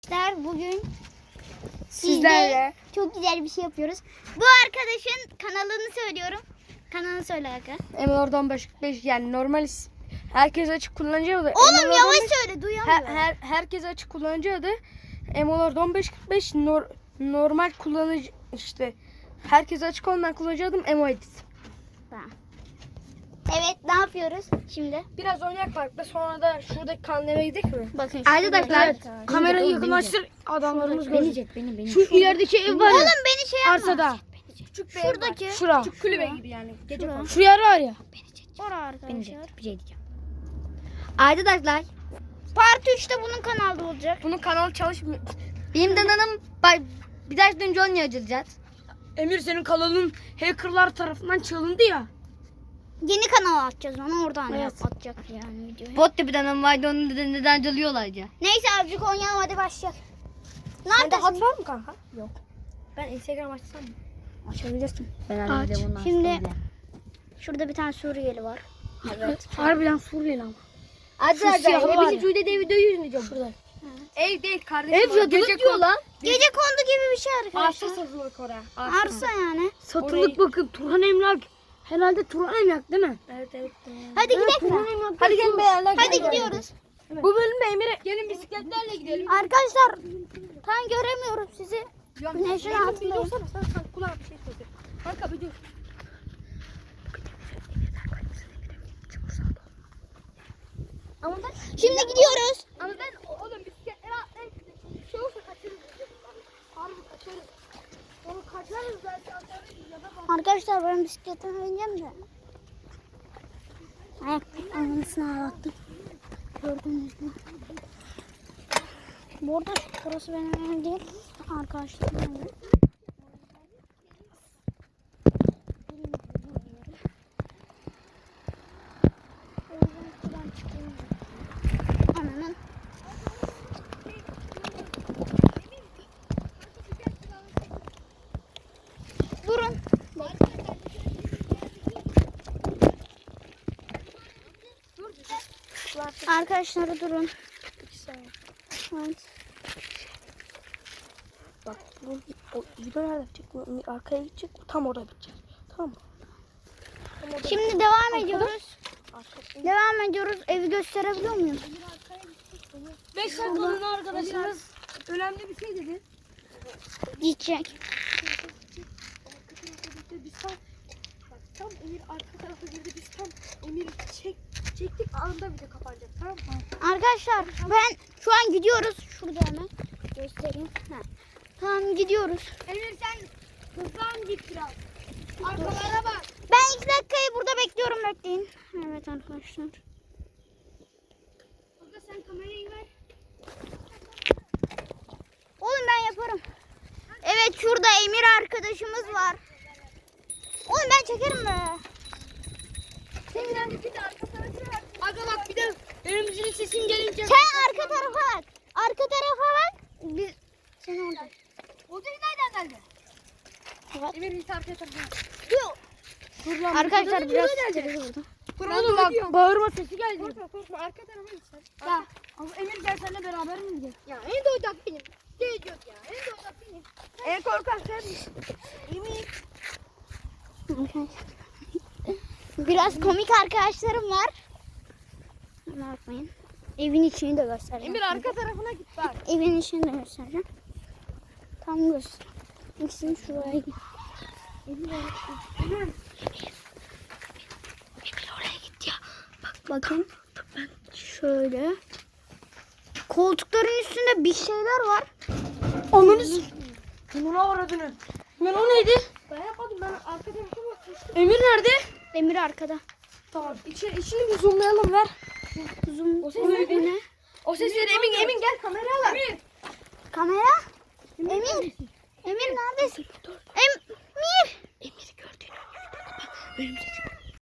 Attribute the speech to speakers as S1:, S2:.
S1: Bugün
S2: sizlerle
S1: çok güzel bir şey yapıyoruz. Bu arkadaşın kanalını söylüyorum. Kanalını söyle Aga.
S2: Emor'dan 545 yani normal herkes açık kullanıcı adı.
S1: Oğlum yavaş söyle, duyamıyorum.
S2: Herkes açık kullanıcı adı. Emor'dan 545 normal kullanıcı işte. Herkes açık olmayan kullanıcı adım Emoedit.
S1: Tamam. Evet, ne yapıyoruz şimdi?
S2: Biraz oynayak parkta, sonra da şuradaki kanlara gidelim mi?
S1: Bakın
S2: Arkadaşlar kamerayı yakınlaştır, adamlarımız görecek.
S1: Benim.
S2: Şu ilerideki ev var ya.
S1: Oğlum beni şey yapma.
S2: Arsada.
S1: Küçük şuradaki.
S2: Şura. Küçük kulübe gibi yani. Gece
S1: Şura.
S2: şu yer var ya.
S1: Orada arkadaşlar.
S2: Bir şey diyeceğim.
S1: Arkadaşlar. Part 3'te bunun kanalda olacak.
S2: Bunun kanalı çalışmıyor.
S1: Benim dananım bir dahaki önce onu açacağız.
S2: Emir, senin kanalın hackerlar tarafından çalındı ya.
S1: Yeni kanal atacağız, onu oradan
S2: Evet.
S1: atacak yani videoyu.
S3: Bot da bir tane vardı, onu neden çalıyorlar ya?
S1: Neyse azıcık oynayalım, hadi başlayalım.
S2: Sende
S1: Neredesin?
S2: hat var mı kanka? Yok. Ben Instagram açsam mı?
S1: Açabilirsin.
S3: Ben
S2: Aç.
S3: halde bunu
S1: Şimdi
S3: açtım
S1: şurada bir tane Suriyeli var. Evet.
S2: Harbiden Suriyeli ama.
S3: Arkadaşlar
S2: siyahı var
S3: hepsi
S2: ya.
S3: Cude de videoyu izleyeceğim.
S2: Şurada. Ev değil kardeşim.
S3: Ev yadılık diyor lan.
S1: Gece kondu gibi bir şey
S2: Arsa
S1: arkadaşlar.
S2: satılık oraya.
S1: Arsa yani.
S2: Satılık
S3: Bakın Turhan Emlak. Herhalde Turhan Emlak değil mi?
S2: Evet.
S1: Hadi gidelim mi?
S2: Hadi gelin beyler.
S1: Hadi gidiyoruz.
S2: Bu bölümde Emir'e gelin bisikletlerle gidelim.
S1: Arkadaşlar tam göremiyorum sizi. Güneşin
S2: Emir'im, bir
S1: altındayım.
S2: dursana, sen kulağına bir şey söyle. Kanka bir dur. Ama ben
S1: Şimdi gidiyoruz.
S2: Ama ben oğlum bisikletlere atlayıp bir şey olsa kaçırırız. Harbi kaçarız. Onu kaçarız zaten ya da bak.
S1: Arkadaşlar ben bisikletime bineceğim de. Ayak anısını ağlattım. Gördünüz mü? Bu arada burası benim evim değil. Arkadaşlarım evi. Ananın. Durun. Arkadaşlar durun. Evet.
S2: Bak bu o video nerede bitecek? Bu arkaya gidecek. Tam orada bitecek. Tamam mı?
S1: Şimdi devam ediyoruz.
S2: Arkası.
S1: Devam ediyoruz. Evi gösterebiliyor muyum?
S2: 5 dakikalığına arkadaşımız önemli bir şey dedi.
S1: Gidecek.
S2: Biz tam Emir arka tarafa girdi. Biz tam Emir'i çektik anında video kapanacak. Tamam mı?
S1: Arkadaşlar ben şu an gidiyoruz. Şurada hemen göstereyim. Ha. Tamam gidiyoruz.
S2: Emir sen hızlan git biraz. Arkalara bak.
S1: Ben 2 dakikayı burada bekliyorum, bekleyin. Evet arkadaşlar.
S2: Burada sen kamerayı ver.
S1: Oğlum ben yaparım. Evet şurada Emir arkadaşımız var. Oğlum ben çekerim be.
S2: Bir de arka tarafa bak. Aga bak bir de benim müziğin sesim gelince.
S1: Sen arka tarafa bak. Arka tarafa bak. Biz sen orada.
S2: O değil nereden geldi?
S1: Evet.
S2: Emir bir arka tarafa.
S1: Yok. Arkadaşlar biraz
S2: Dur oğlum bak bağırma sesi geldi. Korkma arka tarafa git sen. Ya. Emir gel seninle beraber mi gidelim? Ya en doyacak benim. Geliyor ya en doyacak benim. En korkan sen misin? Emir.
S1: Biraz komik arkadaşlarım var. Ne yapmayın. Evin içini de göstereceğim.
S2: Emir arka tarafına git bak.
S1: Evin içini de göstereceğim. Tam göster. İkisini şuraya git. Emir oraya git ya. Bak bakın. Şöyle. Koltukların üstünde bir şeyler var.
S2: Ananı Bunu aradın. Ben o neydi? Ben yapmadım, ben arka tarafa bakmıştım. Emir nerede?
S1: Emir arkada.
S2: Tamam. İçini bir zoomlayalım ver.
S1: Zoom.
S2: O ses
S1: Bu
S2: neydi?
S1: ne?
S2: O sesleri Emin gel kameraya al. Emir.
S1: Kamera? Emir. Emir neredesin? Emir.
S2: Emir'i gördüğünü. Önümüze çık.